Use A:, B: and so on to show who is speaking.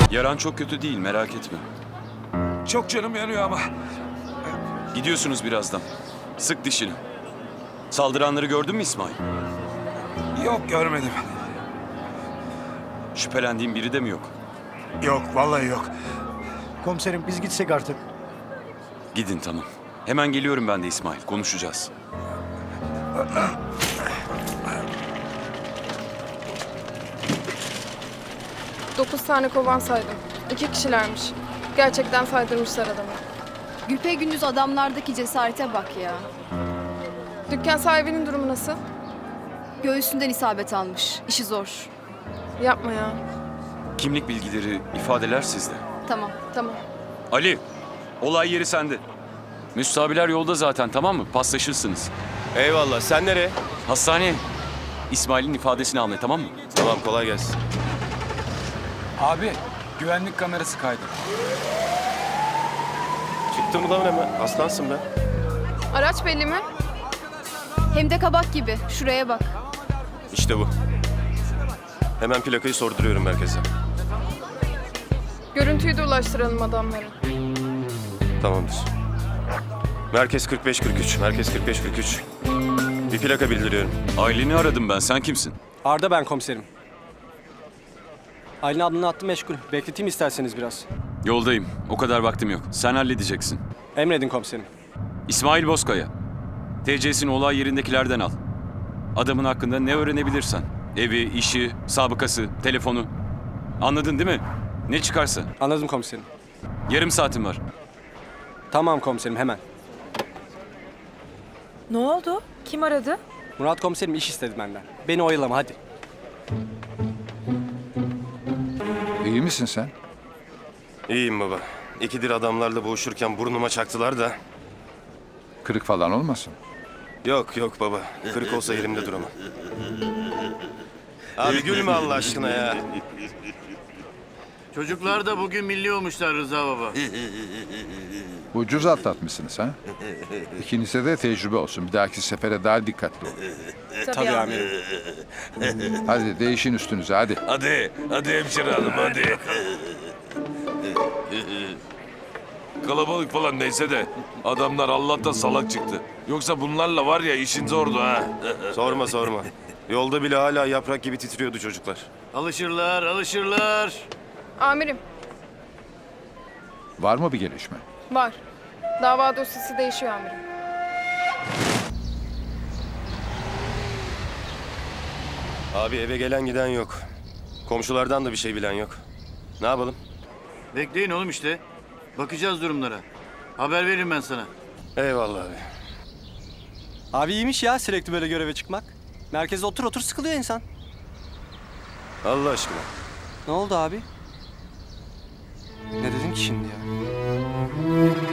A: Yaran çok kötü değil, merak etme.
B: Çok canım yanıyor ama.
A: Gidiyorsunuz birazdan. Sık dişini. Saldıranları gördün mü İsmail?
B: Yok, görmedim.
A: Şüphelendiğin biri de mi yok?
B: Yok, vallahi yok.
C: Komiserim biz gitsek artık.
A: Gidin tamam. Hemen geliyorum ben de İsmail. Konuşacağız.
D: Dokuz tane kovan saydım. 2 kişilermiş. Gerçekten saydırmışlar adamı.
E: Güpegündüz adamlardaki cesarete bak ya.
D: Dükkan sahibinin durumu nasıl?
E: Göğsünden isabet almış. İşi zor.
D: Yapma ya.
A: Kimlik bilgileri, ifadeler sizde.
E: Tamam.
D: Tamam.
A: Ali, olay yeri sende. Müstabiler yolda zaten, tamam mı? Paslaşırsınız.
F: Eyvallah. Sen nereye?
A: Hastaneye. İsmail'in ifadesini almaya, tamam mı?
F: Tamam, kolay gelsin.
B: Abi, güvenlik kamerası kaydı.
F: Çıktı mı lan hemen? Aslansın be.
D: Araç belli mi?
E: Hem de kabak gibi. Şuraya bak.
F: İşte bu. Hemen plakayı sorduruyorum merkeze.
D: Görüntüyü de ulaştıralım adamlara.
F: Tamamdır. Merkez 4543. Merkez 4543. Bir plaka bildiriyorum.
A: Aileni aradım ben, sen kimsin?
C: Arda ben komiserim. Aylin ablanın hattı meşgul. Bekleteyim isterseniz biraz.
A: Yoldayım, o kadar vaktim yok. Sen halledeceksin.
C: Emredin komiserim.
A: İsmail Bozkaya. TC'sini olay yerindekilerden al. Adamın hakkında ne öğrenebilirsen. Evi, işi, sabıkası, telefonu. Anladın değil mi? Ne çıkarsa.
C: Anladım komiserim.
A: Yarım saatim var.
C: Tamam komiserim hemen.
G: Ne oldu? Kim aradı?
C: Murat komiserim iş istedi benden. Beni oyalama hadi.
H: İyi misin sen?
F: İyiyim baba. İkidir adamlarla boğuşurken burnuma çaktılar da.
H: Kırık falan olmasın?
F: Yok yok baba. Kırık olsa yerimde duramam. Abi gülme Allah aşkına ya.
I: Çocuklar da bugün milli olmuşlar Rıza baba.
H: Ucuz atlatmışsınız ha? İkinize de tecrübe olsun. Bir dahaki sefere daha dikkatli olun.
C: Tabii amirim.
H: Hadi değişin üstünüze hadi.
B: Hadi hemşire hanım, hadi. Kalabalık falan neyse de adamlar Allah'tan salak çıktı. Yoksa bunlarla var ya işin zordu ha.
F: Sorma sorma. Yolda bile hala yaprak gibi titriyordu çocuklar.
I: Alışırlar, alışırlar.
D: Amirim,
H: Var mı bir gelişme?
D: var. Dava dosyası değişiyor amirim.
F: Abi eve gelen giden yok. Komşulardan da bir şey bilen yok. Ne yapalım?
I: Bekleyin oğlum işte. Bakacağız durumlara. Haber veririm ben sana.
F: Eyvallah abi.
C: Abi iyiymiş ya sürekli böyle göreve çıkmak. Merkezde otur otur sıkılıyor insan.
F: Allah aşkına.
C: Ne oldu abi? Ne dedin ki şimdi ya?